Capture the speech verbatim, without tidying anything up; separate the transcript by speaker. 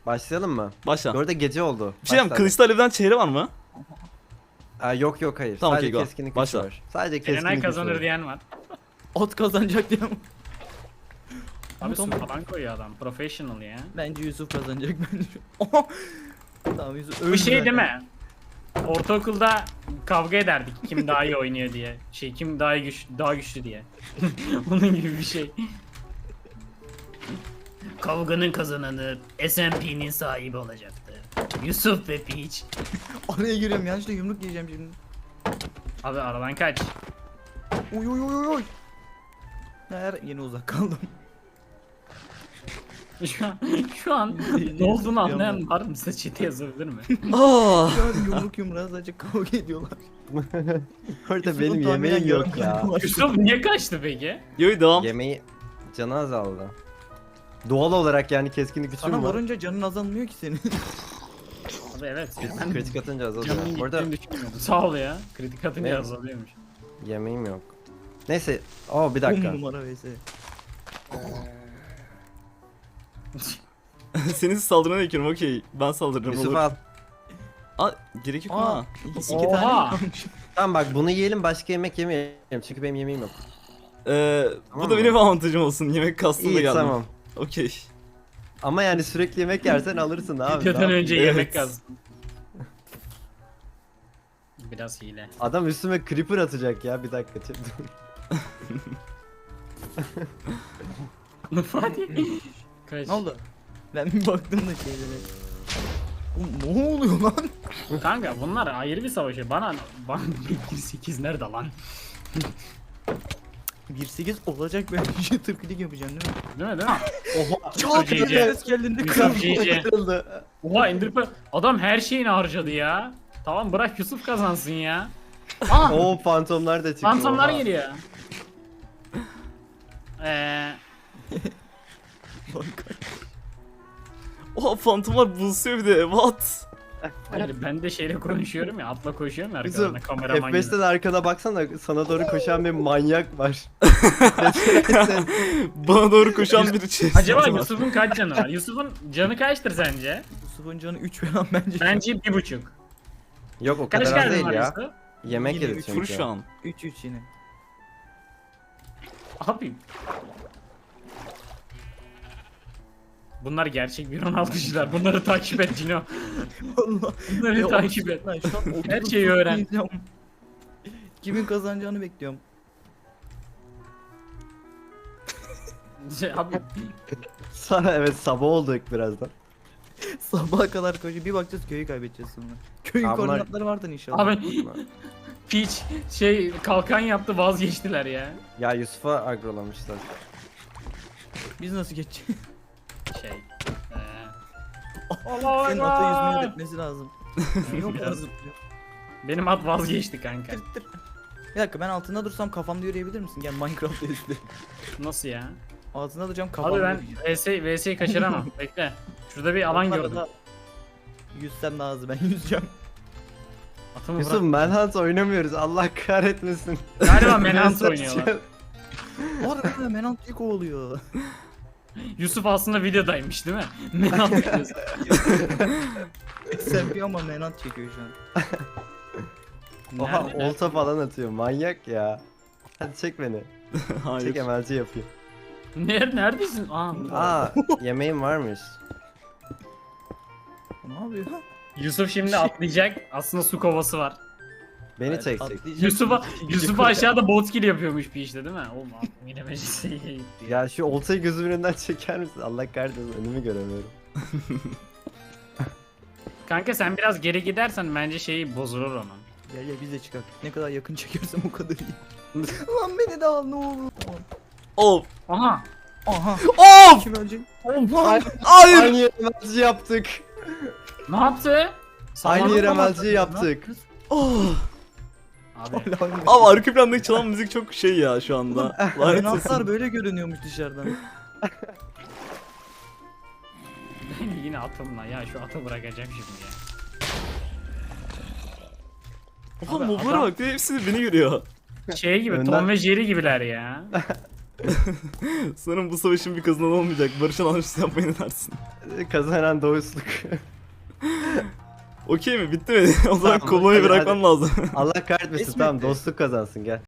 Speaker 1: Başlayalım mı?
Speaker 2: Başla.
Speaker 1: Bu arada gece oldu.
Speaker 2: Bir şey diyeyim, Kılıçlı Alev'den çehre var mı?
Speaker 1: Aa, yok yok hayır.
Speaker 2: Tamam,
Speaker 1: Sadece
Speaker 2: okey, go.
Speaker 1: keskinlik
Speaker 2: Başla.
Speaker 1: gücü var. Sadece keskinlik
Speaker 3: Erenay
Speaker 1: gücü
Speaker 3: kazanır
Speaker 1: var.
Speaker 3: diyen var.
Speaker 4: At kazanacak diye.
Speaker 3: Abi su
Speaker 4: tamam.
Speaker 3: falan koyuyor adam. Professional ya.
Speaker 4: Bence Yusuf kazanacak bence. Oha! Tamam Yusuf öldü
Speaker 3: Bu şey
Speaker 4: zaten.
Speaker 3: değil mi? Ortaokulda kavga ederdik kim daha iyi oynuyor diye. Şey kim daha iyi güç daha güçlü diye. Onun gibi bir şey. Kavganın kazananı S and P'nin sahibi olacaktı. Yusuf ve Peach.
Speaker 4: Araya giriyorum yanlışlıkla yumruk yiyeceğim şimdi.
Speaker 3: Abi aradan kaç.
Speaker 4: Uy uy uy uy. Her yine uzak kaldım.
Speaker 3: Şu an, şu an ne olduğunu anlayan var mı? Size chat'e yazabilir mi?
Speaker 2: Aa.
Speaker 4: Şu an yumruk yumruğa sadece kavga ediyorlar.
Speaker 1: Orada
Speaker 4: Yusuf'un
Speaker 1: benim
Speaker 4: tahminen
Speaker 1: yemeğim
Speaker 4: yarım
Speaker 1: yok ya.
Speaker 4: kalbi var.
Speaker 3: Yusuf niye kaçtı peki?
Speaker 2: Yo devam.
Speaker 1: Yemeği canı azaldı. Doğal olarak yani keskinlik gücüm
Speaker 4: Sana
Speaker 1: var.
Speaker 4: vurunca canın azalmıyor ki senin.
Speaker 3: Abi evet.
Speaker 1: Kritik,
Speaker 3: Ben
Speaker 1: kritik atınca azalıyor.
Speaker 3: canımın
Speaker 1: Bu arada
Speaker 3: gittiğini düşünmüyordum. Sağ ol ya. Kritik atınca
Speaker 1: Ne?
Speaker 3: azalıyormuş.
Speaker 1: yemeğim yok. Neyse. Oo bir
Speaker 4: On
Speaker 1: dakika.
Speaker 4: numara vs.
Speaker 2: Senin saldırına ekiyorum, okey. Ben saldırırım,
Speaker 1: Yusuf
Speaker 2: olur.
Speaker 1: al.
Speaker 2: Aa, gerek yok
Speaker 4: Aa,
Speaker 2: ha.
Speaker 4: iki, iki
Speaker 3: Oha!
Speaker 4: tane kalmış.
Speaker 1: Tamam bak bunu yiyelim başka yemek yemeyelim. Çünkü benim yemeğim yok.
Speaker 2: Ee,
Speaker 1: Tamam
Speaker 2: bu da
Speaker 1: mı?
Speaker 2: benim avantajım olsun. Yemek kastım da
Speaker 1: İyi
Speaker 2: geldim.
Speaker 1: tamam.
Speaker 2: Okey.
Speaker 1: Ama yani sürekli yemek yersen alırsın abi. ne
Speaker 3: Videodan
Speaker 1: yapayım?
Speaker 3: önce
Speaker 2: Evet.
Speaker 3: yemek kazdım. Biraz hile.
Speaker 1: Adam üstüme creeper atacak ya bir dakika.
Speaker 3: Fatih. Kaç.
Speaker 4: Ne oldu? Ben bir baktım da şeylere. Oğlum ne oluyor lan?
Speaker 3: Kanka bunlar ayrı bir savaşı. Bana bana bir sekiz nerede lan?
Speaker 4: bir sekiz olacak ben bir şey tırkılık yapacağım değil mi?
Speaker 3: Değil mi değil mi?
Speaker 1: Oha.
Speaker 3: Çok
Speaker 4: Çok
Speaker 3: iyi.
Speaker 4: ses geldiğinde
Speaker 3: Yusuf
Speaker 4: kırmızı.
Speaker 3: G G.
Speaker 1: Kırıldı.
Speaker 3: Oha Enderpearl. Adam her şeyini harcadı ya. Tamam bırak Yusuf kazansın ya. Aa!
Speaker 1: Oo fantomlar da çıktı.
Speaker 3: Fantomlar
Speaker 1: oha.
Speaker 3: geliyor. Eee
Speaker 2: Oha, fantomlar bulsuyor bir de. What?
Speaker 3: hayır ben de şeyle konuşuyorum ya atla koşuyorum ya
Speaker 1: Yusuf
Speaker 3: arkalarına kameraman
Speaker 1: F
Speaker 3: gibi.
Speaker 1: beşten arkana baksana sana doğru koşan bir manyak var.
Speaker 2: Bana doğru koşan bir şey.
Speaker 3: Acaba Yusuf'un kaç canı var? Yusuf'un canı kaçtır sence?
Speaker 4: Yusuf'un canı üç falan bence.
Speaker 3: Bence bir buçuk.
Speaker 1: Yok o
Speaker 3: Kaç
Speaker 1: kadar az
Speaker 3: kalbin
Speaker 1: değil
Speaker 3: var
Speaker 1: ya.
Speaker 3: Yusuf?
Speaker 1: Yemek
Speaker 4: Yine
Speaker 1: yedi
Speaker 4: üç
Speaker 1: çünkü.
Speaker 2: Vur şu an.
Speaker 4: üç üç yine.
Speaker 3: Abi. Bunlar gerçek bir Ronaldo'cular. Bunları takip et Cino.
Speaker 4: Allah.
Speaker 3: Bunları
Speaker 4: Ya,
Speaker 3: takip et.
Speaker 4: Lan şu an oturup
Speaker 3: Her şeyi öğren.
Speaker 4: izliyorum. Kimin kazanacağını bekliyorum.
Speaker 3: Şey, abi
Speaker 1: Sana evet sabah olduk birazdan.
Speaker 4: Sabaha kadar koşuyor. Bir bakacağız köyü kaybedeceğiz sonra. Köyün
Speaker 1: Abi bunlar-
Speaker 4: koordinatları vardır inşallah.
Speaker 3: abi Peach şey kalkan yaptı vazgeçtiler ya.
Speaker 1: Ya Yusuf'a agrolamışlar.
Speaker 4: Biz nasıl geçeceğiz?
Speaker 3: Şey. Eee. Allah
Speaker 4: Senin ata yüzmeyi öğretmesi lazım. Yok
Speaker 3: Biraz.
Speaker 4: lazım.
Speaker 3: Benim at vazgeçti kanka.
Speaker 4: Tır tır. Bir dakika ben altında dursam kafamda yürüyebilir misin? Gel Minecraft'ta izle.
Speaker 3: Nasıl ya?
Speaker 4: Altında duracağım kafamda
Speaker 3: Abi ben
Speaker 4: yürüyeceğim.
Speaker 3: V S V S'yi kaçıramam. Bekle. Şurada bir alan
Speaker 4: Onlarla
Speaker 3: gördüm.
Speaker 4: da Yüzsem daha hızlı ben yüzeceğim.
Speaker 3: Atımı
Speaker 1: Yusuf
Speaker 3: bırak.
Speaker 1: Manhunt oynamıyoruz Allah kahretmesin.
Speaker 3: Galiba Manhunt oynuyorlar.
Speaker 4: Orada Menant ilk oluyor.
Speaker 3: Yusuf aslında videodaymış değil mi? Manhunt videosu.
Speaker 4: Sen bir ama Menant çekiyor şu an.
Speaker 1: Oha
Speaker 3: Nerede?
Speaker 1: olta falan atıyor manyak ya. Hadi çek beni.
Speaker 2: Hayır.
Speaker 1: Çek emelci yapayım.
Speaker 3: Ner neredesin? Aa,
Speaker 1: Aa yemeğim varmış.
Speaker 4: Ne yapıyor?
Speaker 3: Yusuf şimdi atlayacak. Aslında su kovası var.
Speaker 1: Beni
Speaker 4: Evet,
Speaker 1: çekecek.
Speaker 4: atlayacak.
Speaker 3: Yusuf'a
Speaker 4: İkinci
Speaker 3: Yusuf'a
Speaker 4: koşar.
Speaker 3: aşağıda bot kill yapıyormuş bir işte değil mi? Oğlum aklım yine meclise gitti ya.
Speaker 1: Ya şu oltayı gözümün önünden çeker misin? Allah kahretmesin önümü göremiyorum.
Speaker 3: Kanka sen biraz geri gidersen bence şeyi bozulur onun.
Speaker 4: Gel gel biz de çıkak. Ne kadar yakın çekersem o kadar iyi. Lan beni de al ne olur. Tamam.
Speaker 2: Of.
Speaker 3: Aha.
Speaker 4: Aha.
Speaker 2: Of.
Speaker 4: Kim ölecek?
Speaker 1: Ay-
Speaker 2: Hayır.
Speaker 1: Aynı yere emelci yaptık.
Speaker 3: Ne yaptı?
Speaker 1: Aynı yere
Speaker 3: Sağlam
Speaker 1: emelci
Speaker 3: mı?
Speaker 1: yaptık.
Speaker 2: Oh.
Speaker 3: Abi
Speaker 4: Hala aynı.
Speaker 2: Abi arka plandaki çalan müzik çok şey ya şu anda. Lanet olsun.
Speaker 4: Menantlar böyle görünüyormuş dışarıdan.
Speaker 3: ben yine atımla ya şu atı bırakacağım şimdi ya.
Speaker 2: Oha,
Speaker 3: Abi
Speaker 2: moblara
Speaker 3: adam-
Speaker 2: bak, hepsi de beni görüyor.
Speaker 3: Şey gibi
Speaker 1: Önden-
Speaker 3: Tom ve Jerry gibiler ya.
Speaker 2: Sanırım bu savaşın bir kazanan olmayacak. Barış alanışsı yapmayı ne dersin?
Speaker 1: Kazanan dostluk.
Speaker 2: Okey mi? Bitti mi? O zaman
Speaker 1: Tamam,
Speaker 2: koloyu
Speaker 1: hadi,
Speaker 2: bırakmam lazım.
Speaker 1: Allah kahretmesin
Speaker 4: Resmi
Speaker 1: tamam
Speaker 4: etti.
Speaker 1: dostluk kazansın gel.